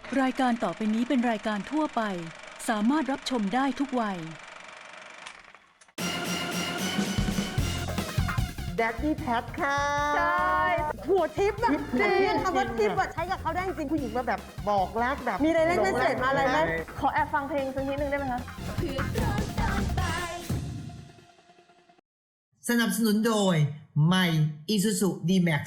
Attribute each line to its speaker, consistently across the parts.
Speaker 1: รายการต่อไปนี้เป็นรายการทั่วไปสามารถรับชมได้ทุกวัย
Speaker 2: แดดดี้แพทค่ะ
Speaker 3: ใช่หัวทิปแบบจริงคำว่าทิปอะใช้กับเขาได้จริง
Speaker 2: ผู้หญิงมาแบบบอกรักแบบ
Speaker 3: มีอะไรเล่นไม่เสร็จมาอะไรไหม
Speaker 4: ขอแอบฟังเพลงสักนิดนึงได้ไหมคะ
Speaker 2: สนับสนุนโดยใหม่ Isuzu D-Max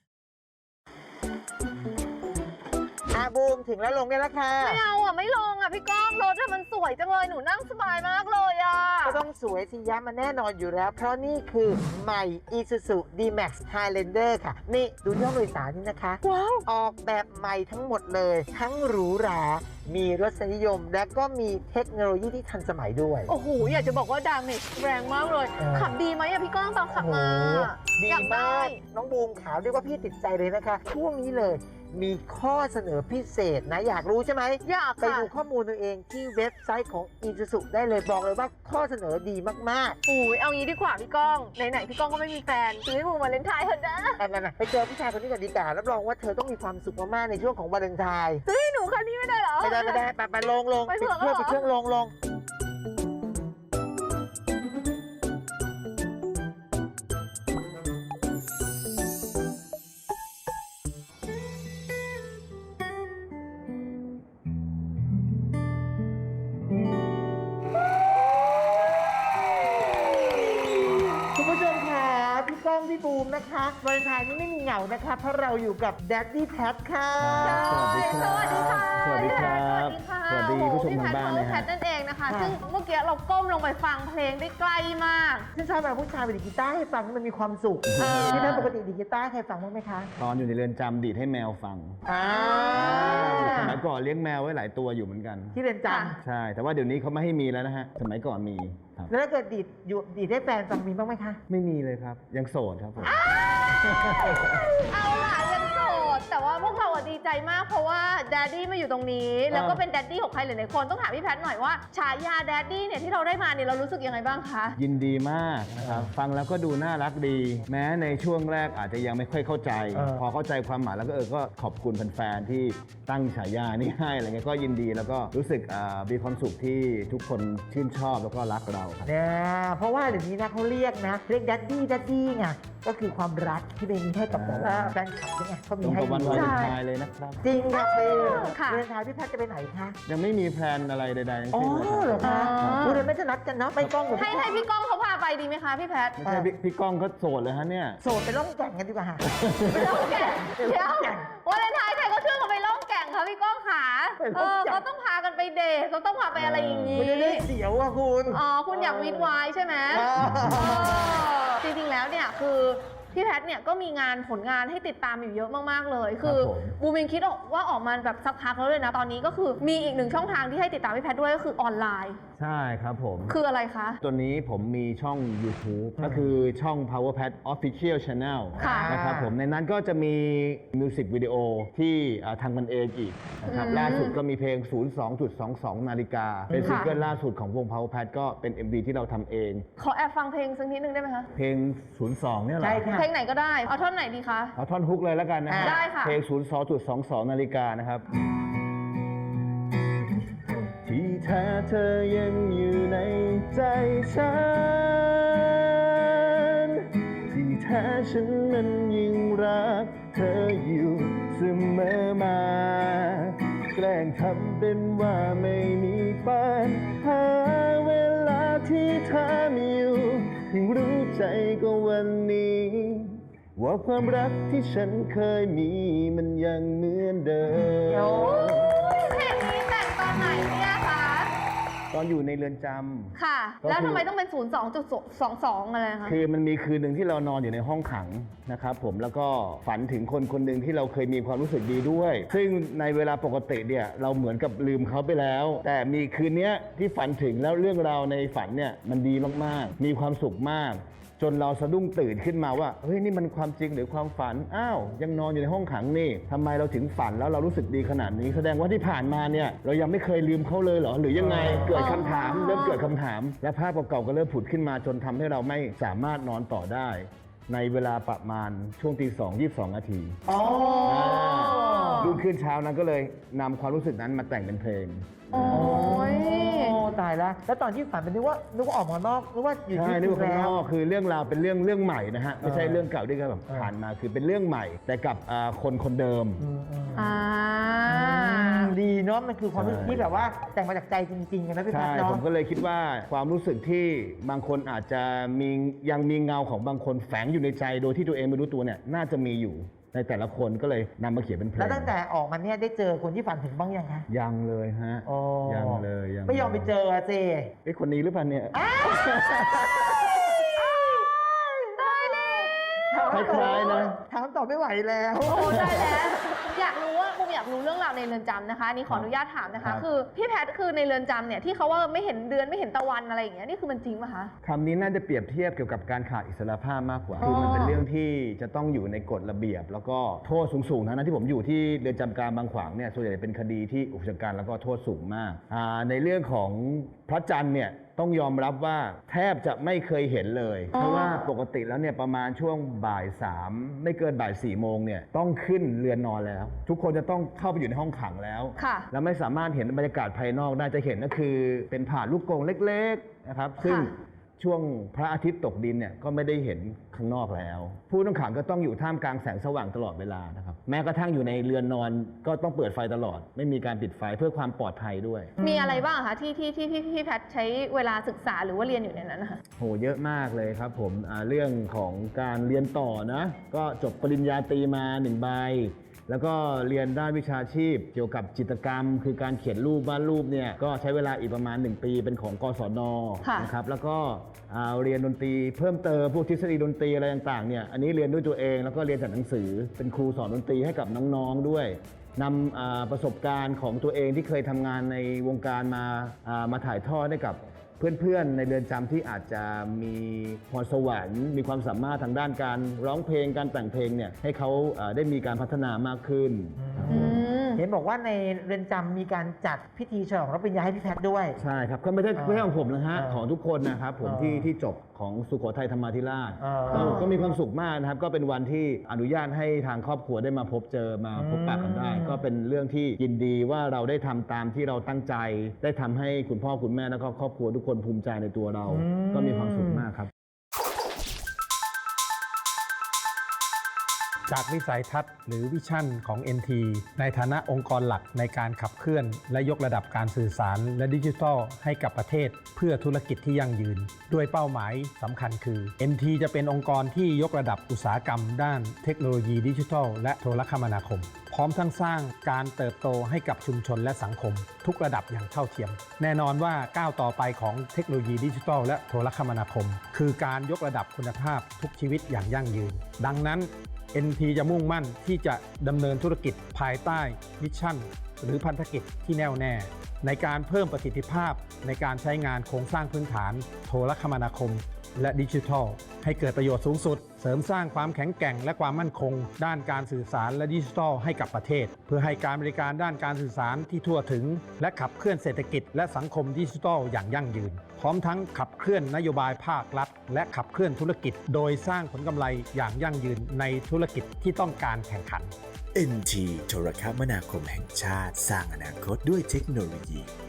Speaker 2: บูมถึงแล้วลงได้แล้วค่ะ
Speaker 4: ไม่เอาอ่ะ ไม่ลงอ่ะ พี่ก้องรถมันสวยจังเลย หนูนั่งสบายมากเลยอ่ะ
Speaker 2: ก็ต้องสวยสิยะมันแน่นอนอยู่แล้ว เพราะนี่คือใหม่ Isuzu D-Max Highlander ค่ะ นี่ดูที่ห้องโดยสารนี่นะคะ
Speaker 4: ว้าว
Speaker 2: ออกแบบใหม่ทั้งหมดเลย ทั้งหรูหรา มีรสนิยม และก็มีเทคโนโลยีที่ทันสมัยด้วย
Speaker 4: โอ้โห อยากจะบอกว่าดาเมจแรงมากเลย ขับดีไหมอ่ะ พี่ก้องตอนขับมา
Speaker 2: ดี
Speaker 4: อยาก
Speaker 2: มา
Speaker 4: ได้
Speaker 2: ก น้องบูมขาวเรียกว่าพี่ติดใจเลยนะคะ ช่วงนี้เลยมีข้อเสนอพิเศษนะ อยากรู้ใช่ไหม
Speaker 4: อยาก
Speaker 2: ไป
Speaker 4: ค่ะ
Speaker 2: ดูข้อมูลตัวเองที่เว็บไซต์ของ Isuzu ได้เลยบอกเลยว่าข้อเสนอดีมาก
Speaker 4: อุ้ยเอางี้ดีกว่าพี่ก้อง ไหนๆพี่ก้องก็ไม่มีแฟนซื้อให้บูมวาเลนไทน์เถอะนะ
Speaker 2: ๆแต่ไปเจอผู้ชายคนนี้ก่อนดีกว่ารับรองว่าเธอต้องมีความสุขมากๆในช่วงของวาเลนไทน์
Speaker 4: ซื้อให้หนูคันนี้ไม่ได้เหรอ
Speaker 2: ไม่ได้ไปลง
Speaker 4: ไป
Speaker 2: ปิ
Speaker 4: เผื่
Speaker 2: ด
Speaker 4: อ
Speaker 2: เครื่อง
Speaker 4: เหรอ
Speaker 2: ปิดเครื่องลงคุณผู้ชมค่ะพี่ก้องพี่บูมนะคะวาเลนไทน์นี้ไม่มีเหงานะคะ เพราะเราอยู่กับแดดดี้แพทค่ะ
Speaker 4: สวัสดีค่ะ
Speaker 5: สวัสดีครับ
Speaker 4: สวัสดีค่ะ
Speaker 5: สวัสดีผู้ชมทางบ้าน
Speaker 4: โอ้
Speaker 5: นะ
Speaker 4: โหพี่แพ
Speaker 5: ฮะ
Speaker 4: ทนั่นเองนะคะ
Speaker 2: ค่ะ
Speaker 4: ซึ่งเมื่อกี้เราก้มลงไปฟังเพลงได้ใกล้มาก
Speaker 2: ที่ชอบแบบผู้ชายไปดีดกีตาร์ให้ฟังมันมีความสุข
Speaker 4: เออ
Speaker 2: ที่แพทปกติดีดกีตาร์ใครฟังบ้างไหมคะ
Speaker 5: ตอนอยู่ในเรือนจำดีดให้แมวฟัง
Speaker 2: อ่า
Speaker 5: สมัยก่อนเลี้ยงแมวไว้หลายตัวอยู่เหมือนกัน
Speaker 2: ที่เรือนจ
Speaker 5: ใช่ แต่ว่าเดี๋ยวนี้เขาไม่ให้มีแล้วนะฮะ สมัยก่อนมีครับ
Speaker 2: ำแล้วถ้าเกิดดีดให้แฟนฟังมีบ้างไหมคะ
Speaker 5: ไม่มีเลยครับ ยังโสดครับผม
Speaker 4: เอาล่ะยังโสดแต่ว่าพวกเราอะดีใจมากเพราะว่าแดดดี้มาอยู่ตรงนี้ แล้วก็เป็นแดดดี้ของใครหลายๆคนต้องถามพี่แพทหน่อยว่าฉายาแดดดี้เนี่ยที่เราได้มาเนี่ยเรารู้สึกยังไงบ้างคะ
Speaker 5: ยินดีมากนะครับ ฟังแล้วก็ดูน่ารักดี แม้ในช่วงแรกอาจจะยังไม่ค่อยเข้าใจ พอเข้าใจความหมายแล้วก็ขอบคุณแฟนๆที่ตั้งฉายานี้ให้อะไรเงี้ยก็ยินดีแล้วก็รู้สึกมีความสุขที่ทุกคนชื่นชอบแล้วก็รักเราครับ
Speaker 2: เนี่ยเพราะว่าเดี๋ยวนี้นะเขาเรียกดัดดี้ไงก็คือความรักที่เป็นให้กับแบบว่าแฟนคลับนี่ไงเขามี
Speaker 5: ตรง
Speaker 2: ให้
Speaker 5: กับวัน
Speaker 2: ด้
Speaker 5: วา
Speaker 2: วย
Speaker 5: เลนไทน์เลยนะครับ
Speaker 2: จริงครับเบล
Speaker 4: ค่ะ
Speaker 2: เรือนทายพี่แพทย์จะไปไหนคะ
Speaker 5: ยังไม่มีแพลนอะไรใดๆทั้ง
Speaker 2: อ๋อ
Speaker 5: สิ้นเลย
Speaker 2: เหร
Speaker 5: ค
Speaker 2: อ
Speaker 5: รับ
Speaker 2: คะดูเลยไม่จะนัดกันเนาะไปกล้องกับ
Speaker 4: ให้
Speaker 2: พี่แพทย์
Speaker 4: พี่ก้องเขาพาไปดีไหมคะพี่แพท
Speaker 5: ไม่ใช่พี่ก้องก็โสดเลยฮะเนี่ย
Speaker 2: โสดไปล่องแก่งกันดีกว่าค่ะ
Speaker 4: ไปล่องแก่งเดี๋ยววาเลนไทน์ใครเขาเชื่อเขาไปล่องแก่งคะพี่ก้องขาเขาต้องพากันไปเดทเขาต้องพาไปอะไรอย่างนี้
Speaker 2: มันจะได้เสียวอะคุณ
Speaker 4: อ๋อคุณอยากวีดไวน์ใช่ไหม
Speaker 2: อ๋อ
Speaker 4: จริงๆ แล้วเนี่ยคือพี่แพทเนี่ยก็มีผลงานให้ติดตามอยู่เยอะมากๆเลย คือ
Speaker 5: ครับผม
Speaker 4: บูมเองคิดว่าออกมาแบบสักพักแล้วเลยนะตอนนี้ก็คือมีอีกหนึ่งช่องทางที่ให้ติดตามพี่แพทด้วยก็คือออนไลน์
Speaker 5: ใช่ครับผม
Speaker 4: คืออะไรคะ
Speaker 5: ตัวนี้ผมมีช่อง YouTube ก็คือช่อง Power Pad Official Channel
Speaker 4: ค่ะ
Speaker 5: นะครับผมในนั้นก็จะมีมิวสิกวิดีโอที่ทำกันเองอีกนะครับล่าสุดก็มีเพลง 02.22 นาฬิกา เป็นซิงเกิลล่าสุดของวง Power Pad ก็เป็น MV ที่เราทำเอง
Speaker 4: ขอแอบฟังเพลงสักนิดนึงได้ไหมคะ
Speaker 5: เพลง 02 เนี่ยเหรอ
Speaker 2: ใช่ค่ะ
Speaker 4: เพลงไหนก็ได้ เอาท่อนไหนดีคะ
Speaker 5: เอาท่อนฮุกเลยแล้วกันนะฮะ
Speaker 4: ได้ค่ะ
Speaker 5: เพลง 02.22 นาฬิกานะครับ ที่แท้เธอยังอยู่ในใจฉัน ที่แท้ฉันนั้นยิ่งรักเธออยู่เสมอมา แกล้งทำเป็นว่าไม่มีปัญหาเวลาที่เธอมีอยู่เพิ่งรู้ใจก็วันนี้ ว่าความรักที่ฉันเคยมีมันยังเหมือนเดิม
Speaker 4: เพลงนี้แต่งตอนไหนเนี่ยคะ
Speaker 5: ตอนอยู่ในเรือนจำ
Speaker 4: ค่ะ
Speaker 5: ก็คือ
Speaker 4: แล้วทำไมต้องเป็น 02.22 อะไรคะ
Speaker 5: คือมันมีคืนหนึ่งที่เรานอนอยู่ในห้องขังนะครับผมแล้วก็ฝันถึงคนคนหนึ่งที่เราเคยมีความรู้สึกดีด้วย ซึ่งในเวลาปกติเนี่ยเราเหมือนกับลืมเขาไปแล้ว แต่มีคืนเนี้ยที่ฝันถึงแล้วเรื่องราวในฝันเนี่ยมันดีมากๆมีความสุขมาก จนเราสะดุ้งตื่นขึ้นมาว่าเฮ้ยนี่มันความจริงหรือความฝันอ้าวยังนอนอยู่ในห้องขังนี่ทำไมเราถึงฝันแล้วเรารู้สึกดีขนาดนี้ แสดงว่าที่ผ่านมาเนี่ยเรายังไม่เคยลืมเขาเลยเหรอหรือยังไงเกิดคำถามเริ่มเกิดคำถาม และภาพเก่าๆก็เริ่มผุดขึ้นมาจนทำให้เราไม่สามารถนอนต่อได้ ในเวลาประมาณช่วงตี 2:22 นาที
Speaker 2: อ๋อ
Speaker 5: รุ่งขึ้นเช้านั้นก็เลยนำความรู้สึกนั้นมาแต่งเป็นเพลง
Speaker 4: โอ้ย
Speaker 2: โอ้ตายแล้วแล้วตอนที่ฝันเป็นนึกว่าออกมานอกนึกว่าอยู่
Speaker 5: ใช่
Speaker 2: ที่
Speaker 5: นี่
Speaker 2: คุ
Speaker 5: คือ
Speaker 2: ณ
Speaker 5: ข้าง
Speaker 2: แล้
Speaker 5: น
Speaker 2: ว
Speaker 5: อกคือเรื่องราวเป็นเรื่องใหม่นะฮะไม่ใช่เรื่องเก่าที่เคยแบบผ่านมาคือเป็นเรื่องใหม่ แต่กับคนเดิม
Speaker 4: อ่า
Speaker 2: ดีเนาะมันคือความรู้สึก
Speaker 5: ใช่
Speaker 2: ที่แบบว่าแต่งมาจากใจจริงๆกันนะพี่แพท
Speaker 5: ใช่
Speaker 2: ย์เนาะ
Speaker 5: ผมก็เลยคิดว่าความรู้สึกที่บางคนอาจจะยังมีเงาของบางคนแฝงอยู่ในใจโดยที่ตัวเองไม่รู้ตัวเนี่ยน่าจะมีอยู่ในแต่ละคนก็เลยนำมาเขียนเป็นเพลง
Speaker 2: แล้วตั้งแต่ออกมาเนี่ยได้เจอคนที่ฝันถึงบ้างยังคะ
Speaker 5: ยังเลยฮะ
Speaker 2: อ๋อ
Speaker 5: ยังเลยยัง
Speaker 2: ไม่ยอมไปเจอเจ
Speaker 5: ไอ้ยคนนี้หรือเปล่าเนี่ย คล้ายๆนะ
Speaker 2: ถามตอบไม่ไหวแล้ว
Speaker 4: โอ้ได้แล้วอยากรู้ว่าผมอยากรู้เรื่องราวในเรือนจำนะคะอันนี่ขออนุญาตถามนะ
Speaker 5: ครั
Speaker 4: คะ
Speaker 5: บ
Speaker 4: คือพี่แพทย์คือในเรือนจำเนี่ยที่เขาว่าไม่เห็นเดือนไม่เห็นตะวันอะไรอย่างเงี้ยนี่คือมันจริงป่ะคะ
Speaker 5: คำนี้น่าจะเปรียบเทียบเกี่ยวกับการขาดอิสรภาพมากกว่า
Speaker 4: อ๋อ
Speaker 5: คือมันเป็นเรื่องที่จะต้องอยู่ในกฎระเบียบ แล้วก็โทษสูงๆนะที่ผมอยู่ที่เรือนจำกลางบางขวางเนี่ยส่วนใหญ่เป็นคดีที่อุกชะกันแล้วก็โทษสูงมากในเรื่องของพระจันทร์เนี่ยต้องยอมรับว่าแทบจะไม่เคยเห็นเลย เพราะว่าปกติแล้วเนี่ยประมาณช่วงบ่าย3ไม่เกินบ่าย4โมงเนี่ยต้องขึ้นเรือนนอนแล้ว ทุกคนจะต้องเข้าไปอยู่ในห้องขังแล้ว
Speaker 4: ค่ะ
Speaker 5: แล้วไม่สามารถเห็นบรรยากาศภายนอกได้จะเห็นก็คือเป็นผ่านลูกกรงเล็กๆนะครับซึ่ง
Speaker 4: ค่ะ
Speaker 5: ช่วงพระอาทิตย์ตกดินเนี่ยก็ไม่ได้เห็นข้างนอกแล้ว ผู้ต้องขังก็ต้องอยู่ท่ามกลางแสงสว่างตลอดเวลานะครับแม้กระทั่งอยู่ในเรือนนอนก็ต้องเปิดไฟตลอด ไม่มีการปิดไฟเพื่อความปลอดภัยด้วย
Speaker 4: มีอะไรบ้างคะที่พี่แพทย์ใช้เวลาศึกษาหรือว่าเรียนอยู่ในนั้นนะคะ
Speaker 5: โหเยอะมากเลยครับผมเรื่องของการเรียนต่อนะก็จบปริญญาตรีมา1ใบแล้วก็เรียนด้านวิชาชีพเกี่ยวกับจิตรกรรม คือการเขียนรูปวาดรูปเนี่ยก็ใช้เวลาอีกประมาณ1ปีเป็นของกศน
Speaker 4: ค่ะ
Speaker 5: นะครับแล้วก็เรียนดนตรีเพิ่มเติมพวกทฤษฎีดนตรีอะไรต่างๆเนี่ยอันนี้เรียนด้วยตัวเองแล้วก็เรียนจากหนังสือเป็นครูสอนดนตรีให้กับน้องๆด้วยนำประสบการณ์ของตัวเองที่เคยทำงานในวงการมาถ่ายทอดให้กับเพื่อนๆในเรือนจำที่อาจจะมีพรสวรรค์มีความสามารถทางด้านการร้องเพลงการแต่งเพลงเนี่ยให้เขาได้มีการพัฒนามากขึ้น
Speaker 4: อืม
Speaker 2: เห็นบอกว่าในเรือนจำมีการจัดพิธีฉลองรับปริญญาให้พี่แพทย์ด้วย
Speaker 5: ใช่ครับก็ไม่ใช่ของผมนะฮะของทุกคนนะครับผมที่จบของสุโขทัยธรรมาธิราชก็มีความสุขมากนะครับก็เป็นวันที่อนุญาตให้ทางครอบครัวได้มาพบเจอมาพบปะกันได้ ก็เป็นเรื่องที่ยินดีว่าเราได้ทำตามที่เราตั้งใจ ได้ทำให้คุณพ่อคุณแม่แล้วก็ครอบครัวทุกคนภูมิใจในตัวเรา ก็มีความสุขมากครับ
Speaker 6: จากวิสัยทัศน์หรือวิชั่นของ NT ในฐานะองค์กรหลักในการขับเคลื่อนและยกระดับการสื่อสารและดิจิทัลให้กับประเทศเพื่อธุรกิจที่ยั่งยืน ด้วยเป้าหมายสำคัญคือ NT จะเป็นองค์กรที่ยกระดับอุตสาหกรรมด้านเทคโนโลยีดิจิทัลและโทรคมนาคม พร้อมทั้งสร้างการเติบโตให้กับชุมชนและสังคม ทุกระดับอย่างเท่าเทียม แน่นอนว่าก้าวต่อไปของเทคโนโลยีดิจิทัลและโทรคมนาคม คือการยกระดับคุณภาพทุกชีวิตอย่างยั่งยืน ดังนั้น NT จะมุ่งมั่นที่จะดำเนินธุรกิจภายใต้มิชชั่นหรือพันธกิจที่แน่วแน่ ในการเพิ่มประสิทธิภาพในการใช้งานโครงสร้างพื้นฐานโทรคมนาคมและดิจิทัลให้เกิดประโยชน์สูงสุดเสริมสร้างความแข็งแกร่งและความมั่นคงด้านการสื่อสารและดิจิทัลให้กับประเทศ เพื่อให้การบริการด้านการสื่อสารที่ทั่วถึงและขับเคลื่อนเศรษฐกิจและสังคมดิจิทัลอย่างยั่งยืนพร้อมทั้งขับเคลื่อนนโยบายภาครัฐและขับเคลื่อนธุรกิจโดยสร้างผลกำไรอย่างยั่งยืนในธุรกิจที่ต้องการแข่งขัน
Speaker 7: NT โทรคมนาคมแห่งชาติสร้างอนาคตด้วยเทคโนโลยี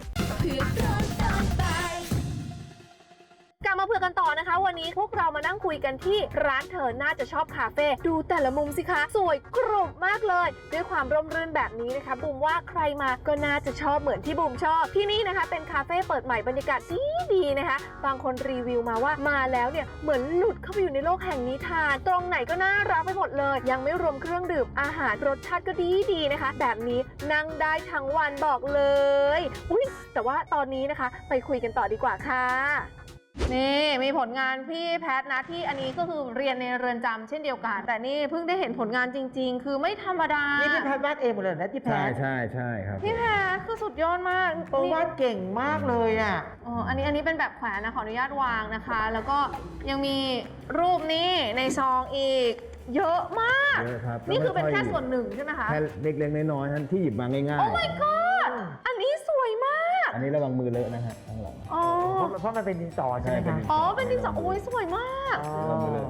Speaker 4: กลับมาเผื่อกันต่อนะคะ วันนี้พวกเรามานั่งคุยกันที่ร้านเธอน่าจะชอบคาเฟ่ดูแต่ละมุมสิคะสวยกรุบมากเลยด้วยความร่มรื่นแบบนี้นะคะบูมว่าใครมาก็น่าจะชอบเหมือนที่บูมชอบที่นี่นะคะเป็นคาเฟ่เปิดใหม่บรรยากาศดีนะคะบางคนรีวิวมาว่ามาแล้วเนี่ยเหมือนหลุดเข้าไปอยู่ในโลกแห่งนิทานตรงไหนก็น่ารักไปหมดเลยยังไม่รวมเครื่องดื่มอาหารรสชาติก็ดีนะคะแบบนี้นั่งได้ทั้งวันบอกเลยอุ๊ยแต่ว่าตอนนี้นะคะไปคุยกันต่อดีกว่าค่ะนี่มีผลงานพี่แพทนะที่อันนี้ก็คือเรียนในเรือนจำเช่นเดียวกันแต่นี่เพิ่งได้เห็นผลงานจริงๆ คือไม่ธรรมดา
Speaker 2: นี่พี่แพทย์วาดเองหมดเลยนะที่แพ
Speaker 5: ใช่
Speaker 2: ทย์
Speaker 5: ใช่ใช่ครับ
Speaker 4: พี่แพทคือสุดยอดมาก
Speaker 2: โอ้วาดเก่งมากเลยอ่ะ
Speaker 4: อ๋ออันนี้เป็นแบบแขวนนะขออนุญาตวางนะคะ แล้วก็ยังมีรูปนี้ในซองอีก เยอะมาก
Speaker 5: เยอะครับ
Speaker 4: นี่คือเป็น
Speaker 5: แล้วไม่ค่อย
Speaker 4: แค่ส่วนหนึ่งใช่ไหมคะ
Speaker 5: แค่เล็กๆน้อยๆท่านที่หยิบมาง่าย
Speaker 4: โอ้ my god อันนี้สวยมาก
Speaker 5: ๆอันนี้ระวังมือเลอะนะฮะข้างหลัง
Speaker 4: อ๋อ
Speaker 2: เพราะมันเป็นดินสอใช่ไหม
Speaker 5: ใช่เป็น
Speaker 2: คะ
Speaker 5: ดิน
Speaker 4: อ๋อเป็นดินสอโอ้ยสวยมาก
Speaker 2: อ๋อ
Speaker 5: ระวังมือเลอะครับ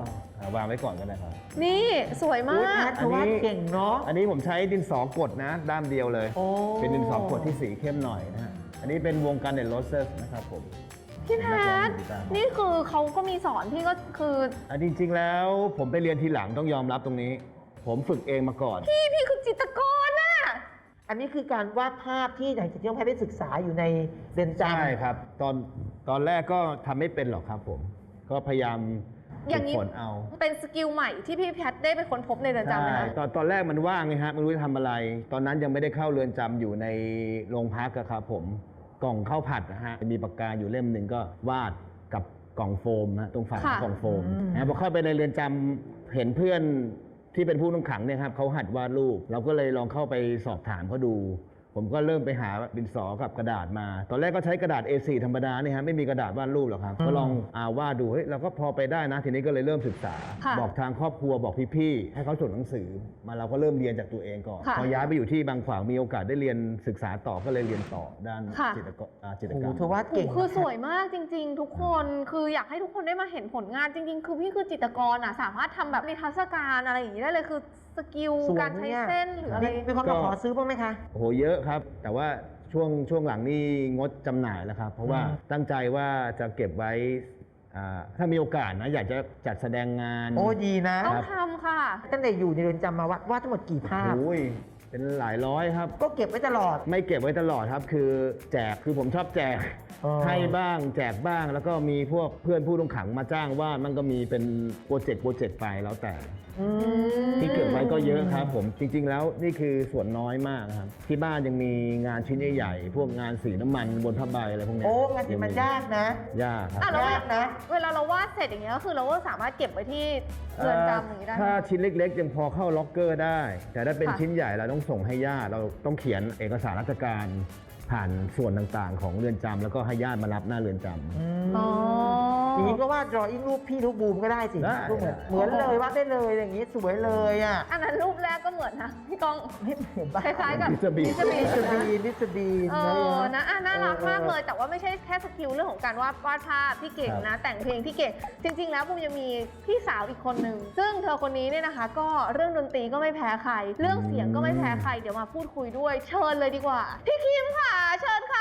Speaker 5: วางไว้ก่อนก็ได้ครับ
Speaker 4: นี่สวยมา
Speaker 2: อุ๊ยแพ
Speaker 4: ก
Speaker 2: ทย์วาดเก่งเนาะ
Speaker 5: อันนี้ผมใช้ดินสอกดนะด้ามเดียวเลย
Speaker 2: โอ้
Speaker 5: เป็นดินสอกดที่สีเข้มหน่อยนะฮะอันนี้เป็นวงการเดนโรเซสนะครับผม
Speaker 4: พี่แพทนี่คือเขาก็มีสอนพี่ก็คือ
Speaker 5: จริงๆแล้วผมไปเรียนทีหลังต้องยอมรับตรงนี้ ผมฝึกเองมาก่อน
Speaker 4: พี่คือจิตรกรน่ะ
Speaker 2: อันนี้คือการวาดภาพที่อย่างที่น้องแพทย์ได้ศึกษาอยู่ในเรือนจำ
Speaker 5: ใช่ครับ ตอนแรกก็ทำไม่เป็นหรอกครับผม ก็พยายาม
Speaker 4: อย่างนี้
Speaker 5: ฝึกฝนเอา
Speaker 4: เป็นสกิลใหม่ที่พี่แพทได้ไปค้นพบในเรือนจำไหม
Speaker 5: ใช่
Speaker 4: คะ
Speaker 5: ตอนแรกมันว่างไงฮะไม่รู้จะทำอะไร ตอนนั้นยังไม่ได้เข้าเรือนจำอยู่ในโรงพักอะครับผมกล่องข้าวผัดนะฮะมีปากกาอยู่เล่มหนึ่งก็วาดกับกล่องโฟมนะตรงฝากล่องโฟมนะพอเข้าไปในเรือนจำเห็นเพื่อนที่เป็นผู้ต้องขังเนี่ยครับเขาหัดวาดรูปเราก็เลยลองเข้าไปสอบถามเขาดู ผมก็เริ่มไปหาดินสอกับกระดาษมา ตอนแรกก็ใช้กระดาษ A4 ธรรมดาเนี่ยฮะไม่มีกระดาษวาดรูปหรอกครับก็ลองวาดดูเฮ้ยเราก็พอไปได้นะทีนี้ก็เลยเริ่มศึกษา
Speaker 4: ค่ะ
Speaker 5: บอกทางครอบครัวบอกพี่ๆให้เขาส่งหนังสือมาเราก็เริ่มเรียนจากตัวเองก่อน
Speaker 4: ค่ะ
Speaker 5: พอย้ายไปอยู่ที่บางขวางมีโอกาสได้เรียนศึกษาต่อก็เลยเรียนต่อด้าน
Speaker 4: ค่ะ
Speaker 5: จิตรกรจิตร
Speaker 2: โอ้
Speaker 5: ก
Speaker 2: โห
Speaker 5: รรม
Speaker 2: เธอวาดเก่ง
Speaker 4: คือ
Speaker 2: นะ
Speaker 4: สวยมากจริง ๆ ทุกคนคืออยากให้ทุกคนได้มาเห็นผลงานจริง ๆ คือพี่คือจิตรกรอ่ะสามารถทำแบบนิทรรศการอะไรอย่างนี้ได้เลยคือสกิล
Speaker 2: สวย
Speaker 4: การใช้
Speaker 2: เนี่ย
Speaker 4: เส้นหรืออะไร
Speaker 2: มีคนมาขอซื้อบ้างไหมคะ
Speaker 5: โอ้โหเยอะครับ แต่ว่าช่วงหลังนี่งดจำหน่ายแล้วครับ เพราะว่าตั้งใจว่าจะเก็บไว้ถ้ามีโอกาสนะอยากจะจัดแสดงงาน
Speaker 2: โอ้ดีนะ
Speaker 4: ต้องทำค่ะ
Speaker 2: ตั้งแต่อยู่ในเรือนจำมาวาดทั้งหมดกี่ภาพ
Speaker 5: โอ้ยเป็นหลายร้อยครับ
Speaker 2: ก็เก็บไว้ตลอด
Speaker 5: ไม่เก็บไว้ตลอดครับ คือแจกคือผมชอบแจก
Speaker 2: อ๋อ
Speaker 5: ให้บ้างแจกบ้าง แล้วก็มีพวกเพื่อนผู้ต้องขังมาจ้างวาดมันก็มีเป็นโปรเจกต์ไปแล้วแต่ ที่เก็บไว้ก็เยอะครับผมจริง ๆ แล้วนี่คือส่วนน้อยมากครับ ที่บ้านยังมีงานชิ้นใหญ่ๆพวกงานสีน้ำมันบนผ้าใบอะไรพวกเนี้ย
Speaker 2: โอ้งานที่มันยากนะ
Speaker 5: ยากครับ
Speaker 4: อ่ะแล้ว
Speaker 2: ยากนะ
Speaker 4: เวลาเราวาดเสร็จอย่างเงี้ยก็คือเราก็สามารถเก็บไว้ที่เรือนจำอย่างนี้ได้ไหม
Speaker 5: ถ้าชิ้นเล็กๆ ยังพอเข้าล็อกเกอร์ได้ แต่ถ้าเป็น
Speaker 4: ค่ะ
Speaker 5: ชิ้นใหญ่เราต้องส่งให้ญาติเราต้องเขียนเอกสารราชการผ่านส่วนต่างๆ ของเรือนจำแล้วก็ให้ญาติมารับหน้าเรือนจำ
Speaker 4: อ๋อ
Speaker 2: อย่างนี้ก็วาดดรออิ่งรูปพี่รูปบูมก็ได้สิ
Speaker 5: ได้
Speaker 2: รูปเหมือนเลยวาดได้เลยอย่างนี้สวยเลยอ่ะ
Speaker 4: อันนั้นรูปแรกก็เหมือนนะพี่ก้อง
Speaker 2: ไม่เห็นปะ
Speaker 4: คล้ายๆกับ
Speaker 5: มิสเตอร์บีน
Speaker 4: มิสเตอร์บีน
Speaker 2: ลิสบีนลิสบีน
Speaker 4: เออนะอ่ะน่ารักมากเลย
Speaker 2: ออ
Speaker 4: แต่ว่าไม่ใช่แค่สกิลเรื่องของการวาดภาพที่เก่งนะ แต่งเพลงที่เก่ง จริง ๆ แล้วบูมยังมีพี่สาวอีกคนหนึ่ง ซึ่งเธอคนนี้เนี่ยนะคะ ก็เรื่องดนตรีก็ไม่แพ้ใคร เรื่องเสียงก็ไม่แพ้ใคร เดี๋ยวมาพูดคุยด้วย เชิญเลยดีกว่า พี่คิมค่ะ เชิญค่ะ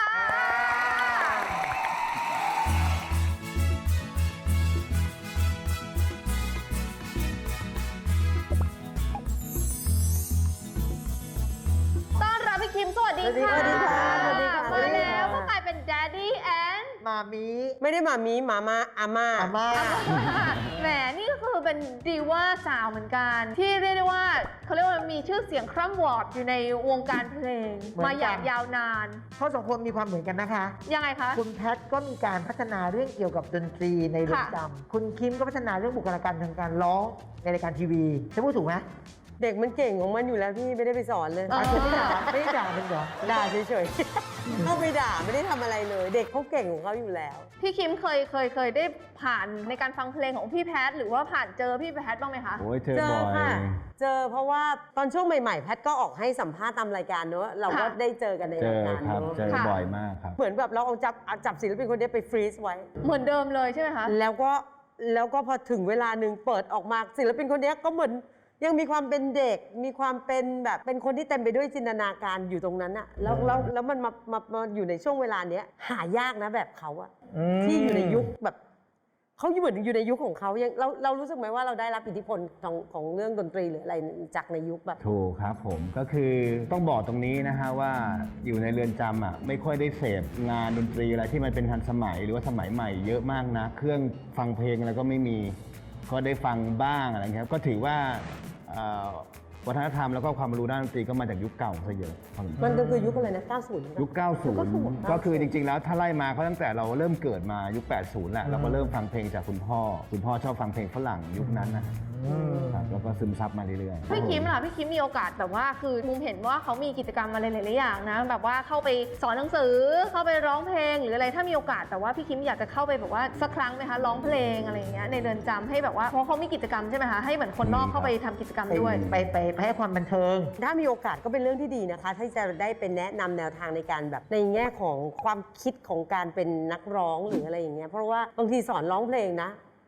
Speaker 4: ต้อนรับพี่คิม สวัสดีค่ะ
Speaker 2: สวัสดีค่ะสวัสดีค่ะ
Speaker 4: มาแล้วก็กลายเป็น Daddy and
Speaker 2: มามี
Speaker 3: ไม่ได้มามีมาม่าอาม่า
Speaker 2: อาม่า
Speaker 4: แหมนี่ก็คือเป็นดีว่าสาวเหมือนกัน ที่เรียกได้ว่าเขาเรียกว่ามีชื่อเสียงคร่ำวอร์ดอยู่ในวงการเพลง
Speaker 2: เหมือนกัน
Speaker 4: มาอย่างยาวนาน
Speaker 2: เขาสองคนมีความเหมือนกันนะคะ
Speaker 4: ยังไงคะ
Speaker 2: คุณแพทก็มีการพัฒนาเรื่องเกี่ยวกับดนตรีในเรือน
Speaker 4: ค่ะ
Speaker 2: จำคุณคิมก็พัฒนาเรื่องบุคลากรทางการร้องในรายการทีวีฉันพูดถูกไหม
Speaker 3: เด็กมันเก่งของมันอยู่แล้วพี่ไม่ได้ไปสอนเลย
Speaker 2: อาจจะไม่ด่าไม่ได้ด่าเป็นเหรอ
Speaker 3: ด่าเฉยๆ เข้าไปด่าไม่ได้ทำอะไรเลย เด็กเขาเก่งของเขาอยู่แล้ว
Speaker 4: พี่คิมเคยได้ผ่านในการฟังเพลงของพี่แพทหรือว่าผ่านเจอพี่แพทบ้างไหมคะ
Speaker 5: โอ้ยเจอ
Speaker 3: เจอ
Speaker 5: บ่อย
Speaker 3: ค่ะ เจอเพราะว่าตอนช่วงใหม่ๆ แพทก็ออกให้สัมภาษณ์ตามรายการเนอะเราก็
Speaker 4: ค่ะ
Speaker 3: ได้เจอกันใน
Speaker 5: เจ
Speaker 3: ราย
Speaker 5: อ
Speaker 3: การ
Speaker 5: ครับ
Speaker 3: เนอะ
Speaker 5: เจอบ่อยมากครับ
Speaker 3: เหมือนแบบเราเอาจับศิลปินคนนี้ไปฟรีซไว้
Speaker 4: เหมือนเดิมเลยใช่ไหมคะ
Speaker 3: แล้วก็พอถึงเวลาหนึ่งเปิดออกมาศิลปินคนนี้ก็เหมือนยังมีความเป็นเด็ก มีความเป็นแบบเป็นคนที่เต็มไปด้วยจินตนาการอยู่ตรงนั้นอะแล้วมันมาอยู่ในช่วงเวลาเนี้ยหายากนะแบบเขาอะที่อยู่ในยุคแบบเขาเหมือนอยู่ในยุคของเขายังเรารู้สึกไหมว่าเราได้รับอิทธิพลของเรื่องดนตรีหรืออะไรจากในยุคแบบ
Speaker 5: ถูกครับผมก็คือต้องบอกตรงนี้นะฮะว่าอยู่ในเรือนจำอ่ะไม่ค่อยได้เสพงานดนตรีอะไรที่มันเป็นทันสมัยหรือว่าสมัยใหม่เยอะมากนะเครื่องฟังเพลงอะไรก็ไม่มีก็ได้ฟังบ้างอะไรเงี้ยก็ถือว่าวัฒนธรรมแล้วก็ความรู้ด้านดนตรีก็มาจากยุคเก่าซะเยอะพอสมควร
Speaker 3: มันก็คือยุคอะไรนะ 90
Speaker 5: ยุค 90 ก็คือจริงๆ แล้วถ้าไล่มาเขาตั้งแต่เราเริ่มเกิดมายุค 80 แหละเราก็เริ่มฟังเพลงจากคุณพ่อชอบฟังเพลงฝรั่งยุคนั้นนะครับแล้วก็ซึมซับมาเรื่อยๆ
Speaker 4: พี่คิมล่ะพี่คิมมีโอกาสแบบว่าคือมุมเห็นว่าเขามีกิจกรรมอะไรหลายๆอย่างนะแบบว่าเข้าไปสอนหนังสือเข้าไปร้องเพลงหรืออะไรถ้ามีโอกาสแต่ว่าพี่คิมอยากจะเข้าไปแบบว่าสักครั้งไหมคะร้องเพลงอะไรอย่างเงี้ยในเรือนจำให้แบบว่าเพราะเขามีกิจกรรมใช่ไหมคะให้เหมือนคนนอกเข้าไปทำกิจกรรมด้วย
Speaker 2: ไปให้ความบันเทิง
Speaker 3: ถ้ามีโอกาสก็เป็นเรื่องที่ดีนะคะที่จะได้เป็นแนะนำแนวทางในการแบบในแง่ของความคิดของการเป็นนักร้องหรืออะไรอย่างเงี้ยเพราะว่าบางทีสอนร้องเพลงนะ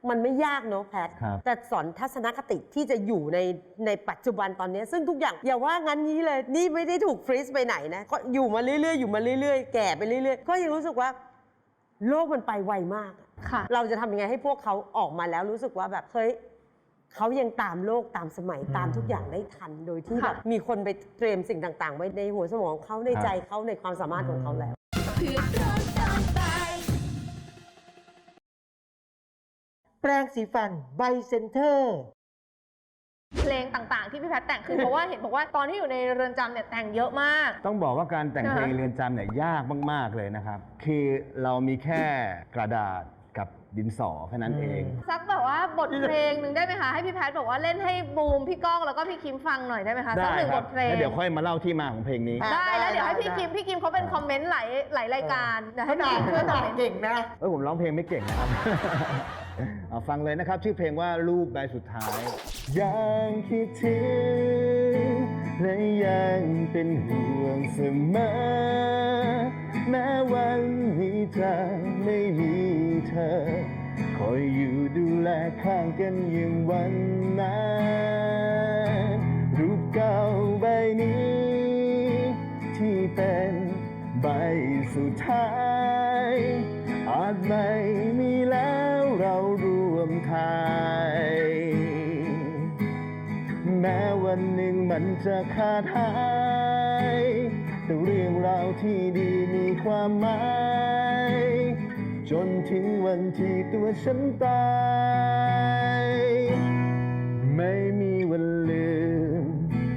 Speaker 3: มันไม่ยากเนอะแพท
Speaker 5: ครับ
Speaker 3: แต่สอนทัศนคติที่จะอยู่ในปัจจุบันตอนนี้ ซึ่งทุกอย่างอย่าว่างั้นนี้เลย นี่ไม่ได้ถูกฟรีซไปไหนนะก็อยู่มาเรื่อยๆอยู่มาเรื่อยๆแก่ไปเรื่อยๆก็ยังรู้สึกว่าโลกมันไปไวมาก
Speaker 4: ค่ะ
Speaker 3: เราจะทำยังไงให้พวกเขาออกมาแล้วรู้สึกว่าแบบเฮ้ยเขายังตามโลกตามสมัยตามทุกอย่างได้ทัน โดยที่แบบมีคนไปเตรียมสิ่งต่างๆ ไว้ในหัวสมองเขาในใจเขาในความสามารถของเขาแล้ว
Speaker 2: แปรงสีฟันไบเซนเตอร์
Speaker 4: เพลงต่างๆที่พี่แพทย์แต่งคือเพราะว่าเห็นบอกว่าตอนที่อยู่ในเรือนจำเนี่ยแต่งเยอะมาก
Speaker 5: ต้องบอกว่าการแต่งเพลงเรือนจำเนี่ยยากมากๆเลยนะครับ คือเรามีแค่กระดาษกับดินสอแค่นั้นเอง
Speaker 4: สักแบบว่าบทเพลงหนึ่งได้ไหมคะให้พี่แพทย์บอกว่าเล่นให้บูมพี่ก้องแล้วก็พี่คิมฟังหน่อยได้ไหมคะสักหนึ่ง
Speaker 5: ครับ
Speaker 4: บทเพลง
Speaker 5: แล้วเดี๋ยวค่อยมาเล่าที่มาของเพลงนี้
Speaker 4: ได้แล้วเดี๋ยวให้พี่คิมเขาเป็นคอมเมนต์หลายรายการเดี๋ยวให้
Speaker 2: ด่า
Speaker 4: พี่คิมช่วยคอมเมนต์
Speaker 2: เก่งนะ
Speaker 5: ผมร้องเพลงไม่เก่งนะครับ เอาฟังเลยนะครับ ชื่อเพลงว่ารูปใบสุดท้าย ยังคิดถึงและยังเป็นห่วงเสมอ แม้วันนี้เธอไม่มีเธอ คอยอยู่ดูแลข้างกันอย่างวันนั้นรูปเก่าใบนี้ ที่เป็นใบสุดท้ายอาจไม่มีแล้วเราร่วมทายแม้วันหนึ่งมันจะขาดหายแต่เรื่องราวที่ดีมีความหมายจนถึงวันที่ตัวฉันตายไม่มีวันลืม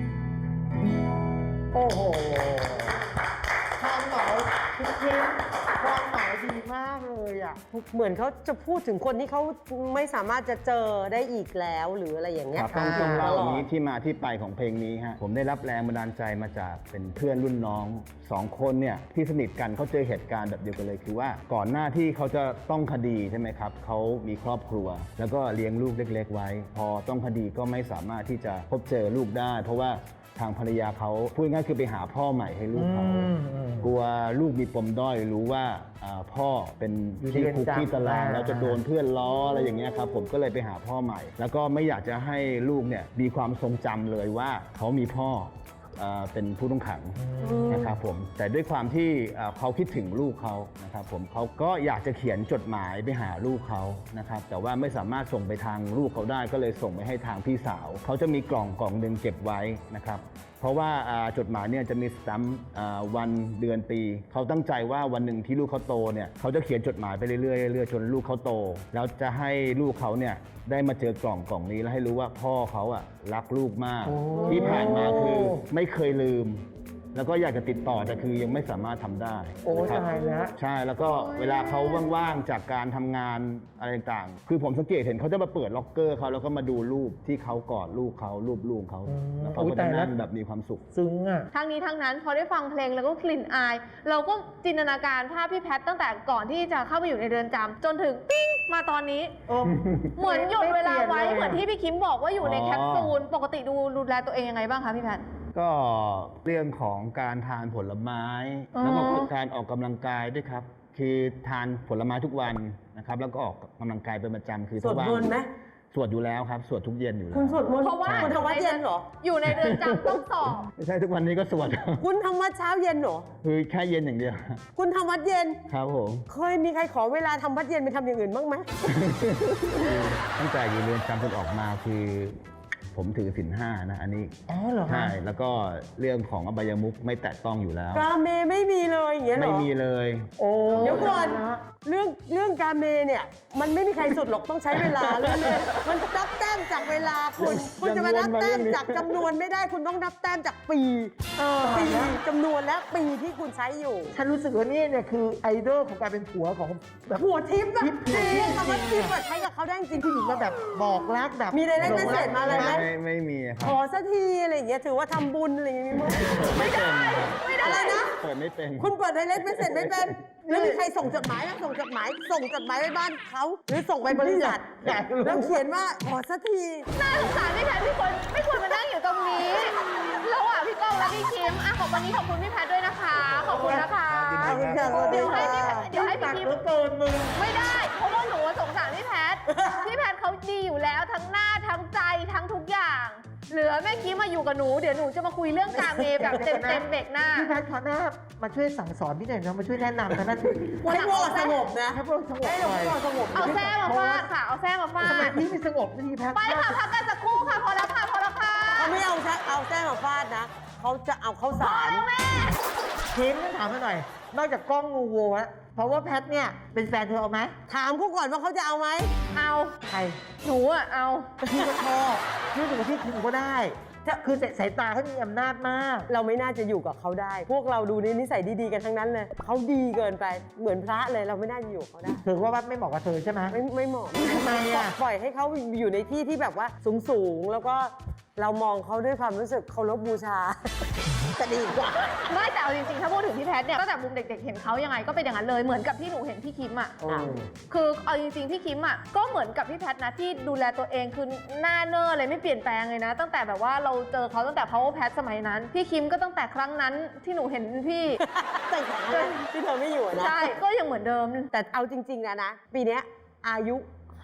Speaker 2: โอ้โหความหมายคือเพลงความหมายดีมากเลยอ่ะ
Speaker 3: เหมือนเขาจะพูดถึงคนที่เขาไม่สามารถจะเจอได้อีกแล้วหรืออะไรอย่างเงี้
Speaker 5: ค
Speaker 3: ย
Speaker 5: รับต้องเล่าอย่างนี้ที่มาที่ไปของเพลงนี้ฮะผมได้รับแรงบันดาลใจมาจากเป็นเพื่อนรุ่นน้องสองคนเนี่ยที่สนิทกันเขาเจอเหตุการณ์แบบเดียวกันเลยคือว่าก่อนหน้าที่เขาจะต้องคดีใช่ไหมครับเขามีครอบครัว แล้วก็เลี้ยงลูกเล็ก ๆ ไว้ พอต้องคดีก็ไม่สามารถที่จะพบเจอลูกได้ เพราะว่าทางภรรยาเขาพูดง่ายคือไปหาพ่อใหม่ให้ลูกเขากลัวลูกมีปมด้อยรู้ว่าพ่อเป็นที่คุกที่ตารางแล้วจะโดนเพื่อนล้ออะไรอย่างเงี้ยครับผมก็เลยไปหาพ่อใหม่ แล้วก็ไม่อยากจะให้ลูกเนี่ยมีความทรงจำเลยว่าเขามีพ่อเป็นผู้ต้องขังนะครับผมแต่ด้วยความที่เขาคิดถึงลูกเขานะครับผมเขาก็อยากจะเขียนจดหมายไปหาลูกเขานะครับแต่ว่าไม่สามารถส่งไปทางลูกเขาได้ก็เลยส่งไปให้ทางพี่สาวเขาจะมีกล่องหนึ่งเก็บไว้นะครับเพราะว่าจดหมายเนี่ยจะมีสแตมป์วันเดือนปีเขาตั้งใจว่าวันหนึ่งที่ลูกเขาโตเนี่ยเขาจะเขียนจดหมายไปเรื่อยๆจนลูกเขาโตแล้วจะให้ลูกเขาเนี่ยได้มาเจอกล่องนี้แล้วให้รู้ว่าพ่อเขาอะรักลูกมากที่ผ่านมาคือไม่เคยลืม แล้วก็อยากจะติดต่อแต่คือยังไม่สามารถทำได้
Speaker 2: โอ้
Speaker 5: นะครับ
Speaker 2: ตายแล้ว
Speaker 5: ใช่แล้วก็เวลาเขาว่างๆจากการทำงานอะไรต่างๆคือผมสังเกตเห็นเขาจะมาเปิดล็อกเกอร์เขาแล้วก็มาดูรูปที่เขากอดลูกเขารูปลูกเขาแล้วเขาก็จะนั่งแบบมีความสุข
Speaker 2: ซึ้งอ่ะ
Speaker 4: ทั้งนี้ทั้งนั้นพอได้ฟังเพลงแล้วก็กลิ่นอาย เราก็จินตนาการภาพพี่แพทย์ตั้งแต่ก่อนที่จะเข้าไปอยู่ในเรือนจำจนถึงปิ้งมาตอนนี้ เหมือนหยุดเวลาไว้เหมือนที่พี่คิมบอกว่าอยู่ในแคปซูลปกติดูแลตัวเองยังไงบ้างคะพี่แพทย์
Speaker 5: ก็เรื่องของการทานผลไม้ แล้วก็การออกกำลังกายด้วยครับ คือทานผลไม้ทุกวันนะครับแล้วก็ออกกำลังกายเป็นประจำคือ
Speaker 3: สวดมนต์ไหม
Speaker 5: สวดอยู่แล้วครับสวดทุกเย็นอยู่แล้ว
Speaker 3: คุณสวดมนต์
Speaker 4: เพราะว่า
Speaker 3: คุณทำวัดเย็นเหรอ
Speaker 4: อยู่ในเรือนจำต้องสอบ
Speaker 5: ไม่ใช่ทุกวันนี้ก็สวด
Speaker 3: คุณทำวัดเช้าเย็นเหรอ
Speaker 5: คือแค่เย็นอย่างเดียว
Speaker 3: คุณทำวัดเย็น
Speaker 5: ครับผม
Speaker 3: เคยมีใครขอเวลาทำวัดเย็นไปทำอย่างอื่นบ้างไหม
Speaker 5: ตั้งแต่อยู่เรือนจำจนออกมาคือผมถือศีลห้านะอันนี้
Speaker 2: อ๋อเหรอคะ
Speaker 5: ใช่แล้วก็เรื่องของอบายมุขไม่แตะต้องอยู่แล้ว
Speaker 3: กาเมไม่มีเลยอย่างเงี้ยเหรอ
Speaker 5: ไม่มีเลย
Speaker 2: โอ้
Speaker 3: เดี๋ยวก่อนเรื่องกาเมเนี่ยมันไม่มีใครสุดหรอกต้องใช้เวลาเรื่อยๆมันนับแต้มจากเวลาคุณจะมานับแต้มจากจำนวนไม่ได้คุณต้องนับแต้มจากปีจำนวนและปีที่คุณใช้อยู่
Speaker 2: ฉันรู้สึกว่านี่เนี่ยคือไอดอลของการเป็นผัวของแบบ
Speaker 3: หัวทิพย์อะ
Speaker 2: ทิพย์
Speaker 3: จริงคำว่าทิพย์อะใช้กับเขาได้จริง
Speaker 2: ผู้หญิงมาแบบบอกรักแบบ
Speaker 3: มีในเล่นเมสเซจมาเลยไหม
Speaker 5: ไม่มีค
Speaker 3: ข
Speaker 5: รับ
Speaker 3: อสักทีอะไรอย่างเงี้ยถือว่าทำบุญอะไรอย่างเงี้ยมั้ย
Speaker 5: ไม่ได้
Speaker 3: อะไรนะ
Speaker 5: เปิดไม่เป็น
Speaker 3: คุณเปิดไดเรกเมสเซจไม่เป็นแล้วมีใครส่งจดหมายไหมส่งจดหมายไปบ้านเขาหรือส่งไปบริษัท
Speaker 2: อยากรู้
Speaker 3: แล้วเขียนว่าขอสักที
Speaker 4: น่าสงสารพี่แพทย์ไม่ควรมานั่งอยู่ตรงนี้ระหว่างพี่ก้องและพี่คิมอ่ะขอบวันนี้ขอบคุณพี่แพทย์ด้วยนะคะ ขอบคุณนะคะ
Speaker 5: ยินดี
Speaker 3: ขอบคุณค่ะสวัสดี
Speaker 4: เดี๋ยวให้
Speaker 3: ค่ะ
Speaker 4: พี่
Speaker 2: ตักเหลือเกินมึง
Speaker 4: ไม่ได้ เพราะว่าหนูสงสารพี่แพท พี่แพทเขาดีอยู่แล้วทั้งหน้าทั้งใจทั้งทุกอย่าง เหลือแม่กี้มาอยู่กับหนู เดี๋ยวหนูจะมาคุยเรื่องกาเมแบบเต็มๆเบรกหน้า
Speaker 2: พี่แพทย์ขอหน้ามาช่วยสั่งสอนพี่หน่อยนะมาช่วยแนะนำนะนั่น
Speaker 3: ให้พวกเราสงบนะ
Speaker 2: ให้พวกเราสงบ
Speaker 3: ให้
Speaker 2: หน่อย
Speaker 3: พวกเราสงบ
Speaker 4: เอาแส้มาฟาดค่ะ เอาแส้มาฟา
Speaker 2: ทำไม
Speaker 4: ด
Speaker 2: พี่ไม่สงบสักทีแพทย์
Speaker 4: ไปค่ะพักกันสักครู่ค่ะ พอแล้วค่ะ พอแล้วค่ะ
Speaker 3: เขาไม่เอาแส้มาฟาดนะเขาจะเอาข้าวสาร
Speaker 2: ทีมต้องถามมาหน่อย นอกจากกล้องงูโวะเพราะว่าแพทย์เนี่ยเป็นแฟนเธอเอาไหม
Speaker 3: ถามเขาก่อนว่าเขาจะเอาไหม
Speaker 4: เอา
Speaker 2: ใคร
Speaker 4: หนูอะเอา
Speaker 2: พี่ก็ชอบพี่ถึงพี่คิมก็ได้คือสายตาเขามีอำนาจมาก
Speaker 3: เราไม่น่าจะอยู่กับเขาได้ พวกเราดูนิสัยดีๆกันทั้งนั้นเลยเขาดีเกินไปเหมือนพระเลยเราไม่น่าจะอยู่กับเขาได้
Speaker 2: เธอว่าไม่เหมาะกับเธอใช่ไหม
Speaker 3: ไม่เหมาะ
Speaker 2: ทำไมอะ
Speaker 3: ปล่อยให้เขาอยู่ในที่ที่แบบว่าสูงๆแล้วก็เรามองเขาด้วยความรู้สึกเคารพบูชา
Speaker 2: จะดีกว่า
Speaker 4: ไม่แต่เอาจริงๆ ถ้าพูดถึงพี่แพทเนี่ยตั้งแต่มุมเด็กๆ เห็นเขายังไงก็เป็นอย่างนั้นเลย เหมือนกับที่หนูเห็นพี่คิมอ่ะ คือเอาจริงๆ พี่คิมอ่ะก็เหมือนกับพี่แพทนะที่ดูแลตัวเองคือหน้าเนอร์อะไรไม่เปลี่ยนแปลงเลยนะ ตั้งแต่แบบว่าเราเจอเขาตั้งแต่ Power Pat สมัยนั้น พี่คิมก็ตั้งแต่ครั้งนั้นที่หนูเห็นพี่
Speaker 3: แต่งงานที่เธอไม่อยู่อะนะ
Speaker 4: ใช่ ก็ยังเหมือนเดิม
Speaker 3: แต่เอาจริงๆนะปีเนี้ยอายุ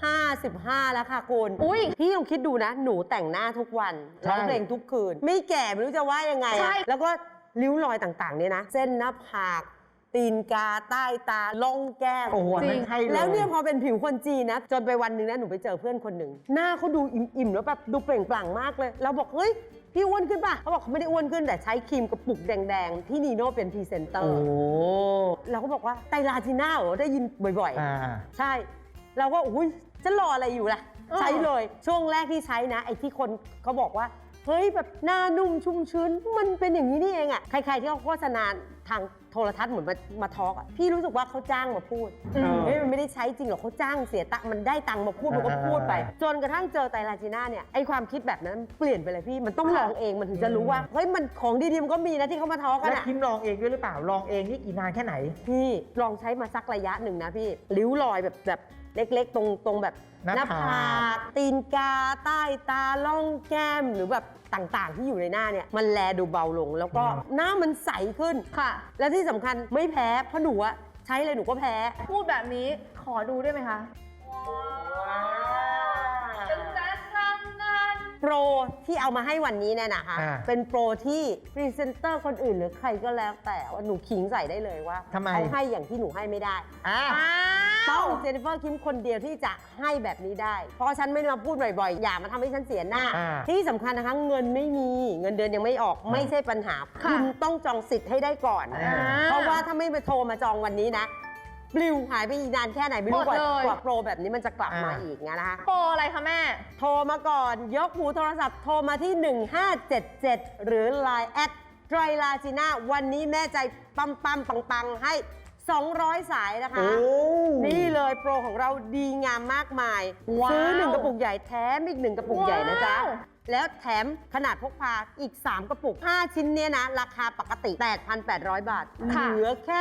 Speaker 3: 55 แล้วค่ะคุณ
Speaker 4: อุ๊ย
Speaker 3: พี่ลองคิดดูนะ หนูแต่งหน้าทุกวัน
Speaker 2: ใช่
Speaker 3: ร้องเพลงทุกคืน ไม่แก่ไม่รู้จะว่ายังไง
Speaker 4: ใช่
Speaker 3: อะแล้วก็ริ้วรอยต่างๆเนี่ยนะ เส้นหน้าผากตีนกาใต้ตาล่องแก้ม
Speaker 2: โอ้โหนั่นใช่เลย
Speaker 3: แล้วเนี่ยพอเป็นผิวคนจีนนะ จนไปวันหนึ่งนะหนูไปเจอเพื่อนคนหนึ่งหน้าเขาดูอิ่มๆแล้วแบบดูเปล่งปลั่งมากเลยเราบอกเฮ้ยพี่อ้วนขึ้นป่ะเขาบอกเขาไม่ได้อ้วนขึ้นแต่ใช้ครีมกระปุกแดงๆที่นีโน่เป็นพรีเซนเตอ
Speaker 2: โอ้
Speaker 3: ร์เราก็บอกว่าไตรลาจีน่าเหรอได้ยินบ่อย
Speaker 2: อ่า
Speaker 3: ๆ ใช่ เราก็อุ้ยจะรออะไรอยู่ล่ะ ใช้เลยช่วงแรกที่ใช้นะไอ้ที่คนเขาบอกว่าเฮ้ยแบบหน้านุ่มชุ่มชื้นมันเป็นอย่างนี้นี่เองอะใครๆที่เขาโฆษณาทางโทรทัศน์เหมือนมาทอล์กอะพี่รู้สึกว่าเขาจ้างมาพูดเฮ้ยมันไม่ได้ใช้จริงหรอกเขาจ้างเสียตังค์มันได้ตังค์มาพูดมันก็พูดไป จนกระทั่งเจอไตรลาจีน่าเนี่ยไอ้ความคิดแบบนั้นเปลี่ยนไปเลยพี่มันต้องลองเองมันถึงจะรู้ว่าเฮ้ยมันของดีๆมันก็มีนะที่เขามาทอล์กกัน
Speaker 2: แล้ว
Speaker 3: อะ
Speaker 2: คิมลองเองด้วยหรือเปล่าลองเองนี่กี่นานแค่ไหน
Speaker 3: พี่ลองใช้มาสักระยะหนึ่งนะพี่ริ้วรอยแบบเล็กๆ ตรงแบบ
Speaker 2: หน้าผาก
Speaker 3: ตีนกาใต้ตาล่องแก้มหรือแบบต่างๆ ที่อยู่ในหน้าเนี่ยมันแลดูเบาลง แล้วก็หน้ามันใสขึ้น
Speaker 4: ค่ะ
Speaker 3: และที่สำคัญไม่แพ้เพราะหนูอะใช้เลยหนูก็แพ้
Speaker 4: พูดแบบนี้ขอดูได้ไหมคะเป็นแจ๊สรังงาน
Speaker 3: โปรที่เอามาให้วันนี้เนี่ยนะคะ
Speaker 2: อ่า
Speaker 3: เป็นโปรที่พรีเซนเตอร์คนอื่นหรือใครก็แล้วแต่ว่าหนูขิงใส่ได้เลยว่า
Speaker 2: ทำไม
Speaker 3: เขาให้อย่างที่หนูให้ไม่ได้
Speaker 2: อ่า
Speaker 3: ต้องเจนนิเฟอร์คิมคนเดียวที่จะให้แบบนี้ได้ เพราะฉันไม่ได้มาพูดบ่อยๆ อย่ามาทำให้ฉันเสียหน้า
Speaker 2: อ่า
Speaker 3: ที่สำคัญนะคะเงินไม่มีเงินเดือนยังไม่ออกไม่ใช่ปัญหา คุณต้องจองสิทธิ์ให้ได้ก่อน
Speaker 2: อ่า
Speaker 3: เพราะว่าถ้าไม่ไปโทรมาจองวันนี้นะปลิวหายไปอีกนานแค่ไหนไม่รู้กว่าโปรแบบนี้มันจะกลับมาอีกนะคะ
Speaker 4: โปรอะไรคะแม่
Speaker 3: โทรมาก่อนยกหูโทรศัพท์โทรมาที่ 1577 หรือ Line แอดไตรลาจีน่าวันนี้แม่ใจปั๊มปังๆให้ 200 สายนะคะ
Speaker 2: โอ้
Speaker 3: นี่เลยโปรของเราดีงามมากมาย
Speaker 4: ว้าว
Speaker 3: ซื้อ 1 กระปุกใหญ่แถมอีก 1 กระปุกใหญ่นะจ๊ะ
Speaker 4: ว้าว
Speaker 3: แล้วแถมขนาดพกพาอีก 3 กระปุก 5 ชิ้นเนี้ยนะ ราคาปกติ 8,800 บาท
Speaker 4: ค่ะ
Speaker 3: เหลือแค่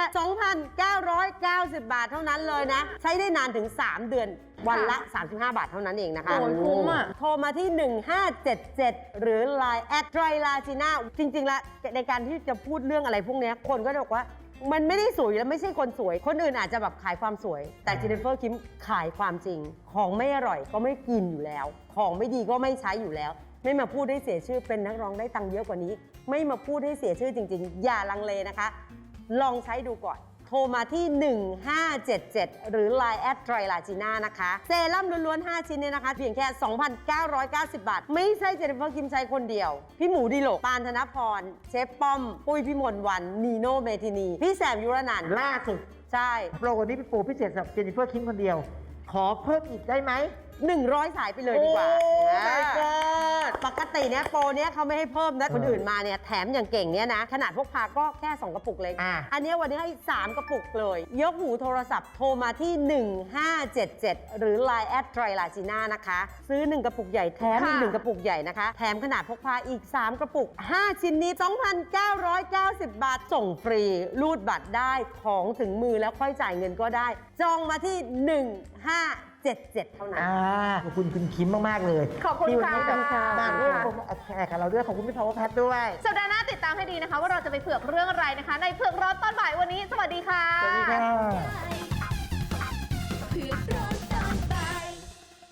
Speaker 3: 2,990 บาทเท่านั้นเลยนะ ใช้ได้นานถึง 3 เดือน วันละ 35 บาทเท่านั้นเองนะคะ
Speaker 4: โอ้ยคุ้มอ่ะ
Speaker 3: โทรมาที่ 1577 หรือ Line แอดไตรลาจีน่าจริงๆแล้วในการที่จะพูดเรื่องอะไรพวกเนี้ยคนก็จะบอกว่า มันไม่ได้สวยแล้วไม่ใช่คนสวย คนอื่นอาจจะแบบขายความสวย แต่เจนนิเฟอร์คิมขายความจริง ของไม่อร่อยก็ไม่กินอยู่แล้ว ของไม่ดีก็ไม่ใช้อยู่แล้ว ไม่มาพูดให้เสียชื่อเป็นนักร้องได้ตังค์เยอะกว่านี้ ไม่มาพูดให้เสียชื่อจริงๆ อย่าลังเลนะคะ ลองใช้ดูก่อน โทรมาที่ 1577 หรือ Line แอดไตรลาจีน่านะคะ เซรั่มล้วนๆ 5 ชิ้นเนี่ยนะคะ เพียงแค่ 2,990 บาท ไม่ใช่เจนนิเฟอร์คิมใช้คนเดียว พี่หมูดิโลกปานธนพร เชฟป้อม ปุ้ยพิมลวัน นีโน่เมทินี พี่แซมยุรนันท์
Speaker 2: ล่าสุด
Speaker 3: ใช่
Speaker 2: โปรนี้เป็นโปรพิเศษสำหรับเจนนิเฟอร์คิมคนเดียว ขอเพิ่มอีกได้ไหม
Speaker 3: 100 สายไปเลยดีกว่า
Speaker 2: โอ้ my
Speaker 3: อ่า
Speaker 2: god
Speaker 3: ปกติเนี่ยโปรเนี้ยเขาไม่ให้เพิ่มนะคนอื่นมาเนี่ยแถมอย่างเก่งเนี่ยนะ ขนาดพกพาก็แค่ 2 กระปุกเล็ก อันเนี้ยวันนี้ให้ 3 กระปุกเลย ยกหูโทรศัพท์โทรมาที่ 1577 หรือ Line แอดไตรลาจีน่านะคะ ซื้อ 1 กระปุกใหญ่แถมอีก
Speaker 4: ค่ะ
Speaker 3: 1 กระปุกใหญ่นะคะ แถมขนาดพกพาอีก 3 กระปุก 5 ชิ้นนี้ 2,990 บาทส่งฟรี รูดบัตรได้ของถึงมือแล้วค่อยจ่ายเงินก็ได้ จองมาที่ 1577 77 เท่านั้น
Speaker 2: ขอบคุณคุณคิมมาก ๆ เลย
Speaker 4: ขอบคุณ
Speaker 2: ที่วันนี้แบบ
Speaker 4: ค่ะ
Speaker 2: มาร่วมแชร์กับเราด้วย ขอบคุณพี่พาวเวอร์แพทด้วย
Speaker 4: สัปดาห์หน้าติดตามให้ดีนะคะ ว่าเราจะไปเผือกเรื่องอะไรนะคะ ในเผือกร้อนตอนบ่ายวันนี้ สวัสดีค่ะ
Speaker 2: สวัสดีค่ะ